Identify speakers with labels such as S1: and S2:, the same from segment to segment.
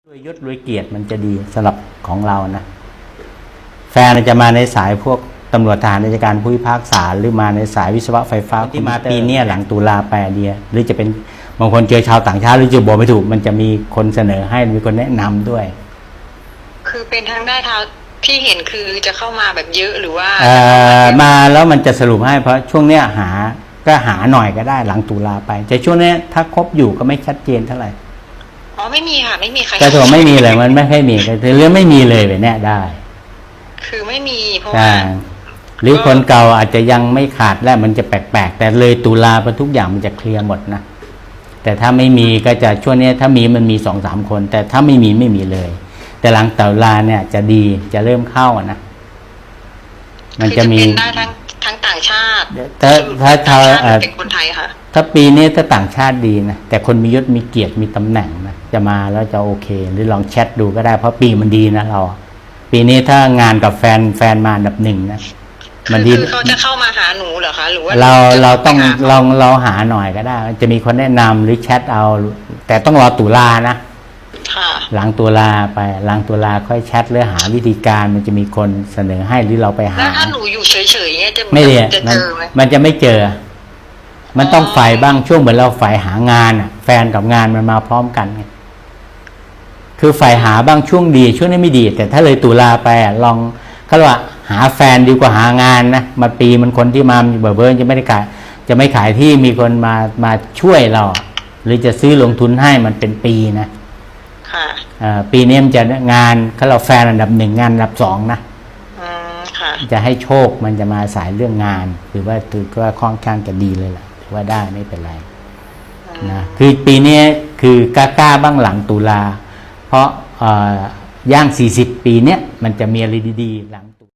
S1: รวยยศรวยเกียรติมันจะดีสำหรับของเรานะแฟนจะมาในสายพวกตำรวจทหารราชการผู้พิพากษาหรือมาในสายวิศวะไฟฟ้าที่มาปีนี้หลังตุลาไปเดียหรือจะเป็นบางคนเจอชาวต่างชาติหรือจะบอกไม่ถูกมันจะมีคนเสนอให้มีคนแนะนำด้วย
S2: คือเป็นทางได้เท้าที่เห็นคือจะเข้ามาแบบเยอะหรือว่า
S1: มาแล้วมันจะสรุปให้เพราะช่วงเนี้ยหาหน่อยก็ได้หลังตุลาไปแต่ช่วงนี้ถ้าคบอยู่ก็ไม่ชัดเจนเท่าไหร่
S2: อ๋อไม่มีค่ะไม่มีใคร
S1: แต่ถือไม่มีเลยมันไม่ค่อยมีแต่เรื่องไม่มีเลยแบบนี้ได้
S2: คือไม่มีเพราะว่า
S1: หรือคนเก่าอาจจะยังไม่ขาดแล้วมันจะแปลกๆแต่เลยตุลาไปทุกอย่างมันจะเคลียร์หมดนะแต่ถ้าไม่มีก็จะช่วงนี้ถ้ามีมันมี 2-3 คนแต่ถ้าไม่มีเลยแต่หลังตุลาเนี่ยจะดีจะเริ่มเข้านะมันจะมี
S2: ได้ทั้งต่างชาติ
S1: ถ้า
S2: เป็นคนไทยค่ะ
S1: ถ้าปีนี้ถ้าต่างชาติดีนะแต่คนมียศมีเกียรติมีตำแหน่งนะจะมาแล้วจะโอเคหรือลองแชทดูก็ได้เพราะปีมันดีนะเราปีนี้ถ้างานกับแฟนมาอันดับ 1นะ
S2: มันดีคือเขาจะเข้ามาหาหนูเหรอคะหรือว่า
S1: เราต้องเราหาหน่อยก็ได้จะมีคนแนะนำหรือแชทเอาแต่ต้องรอตุลานะหลังตุลาไปหลังตุลาค่อยแชทหรือหาวิธีการมันจะมีคนเสนอให้หรือเราไปหา
S2: แล้วถ้าหนูอยู่เฉยๆเนี่ยจะ
S1: ไม่เจอมันจะไม่เจอมันต้องฝ่ายบ้างช่วงเหมือนเราฝ่ายหางานอ่ะแฟนกับงานมันมาพร้อมกันไงคือฝ่ายหาบ้างช่วงดีช่วงนี้ไม่ดีแต่ถ้าเลยตุลาไปลองเขาว่าหาแฟนดีกว่าหางานนะมาปีมันคนที่มาเบอร์จะไม่ได้ขายจะไม่ขายที่มีคนมาช่วยเราหรือจะซื้อลงทุนให้มันเป็นปีนะปีนี้มันจะงานเขาเราแฟนอันดับ 1งานอันดับ 2นะจะให้โชคมันจะมาสายเรื่องงานหรือว่าถือว่าค่อนข้างจะดีเลยล่ะถือว่าได้ไม่เป็นไรนะคือปีนี้คือกล้าบ้างหลังตุลาเพราะย่าง40ปีเนี้ยมันจะมีอะไรดีๆหลังตุ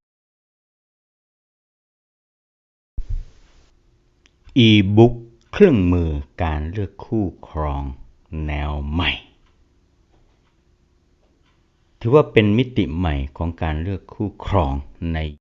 S1: อีบุ๊กเครื่องมือการเลือกคู่ครองแนวใหม่ถือว่าเป็นมิติใหม่ของการเลือกคู่ครองใน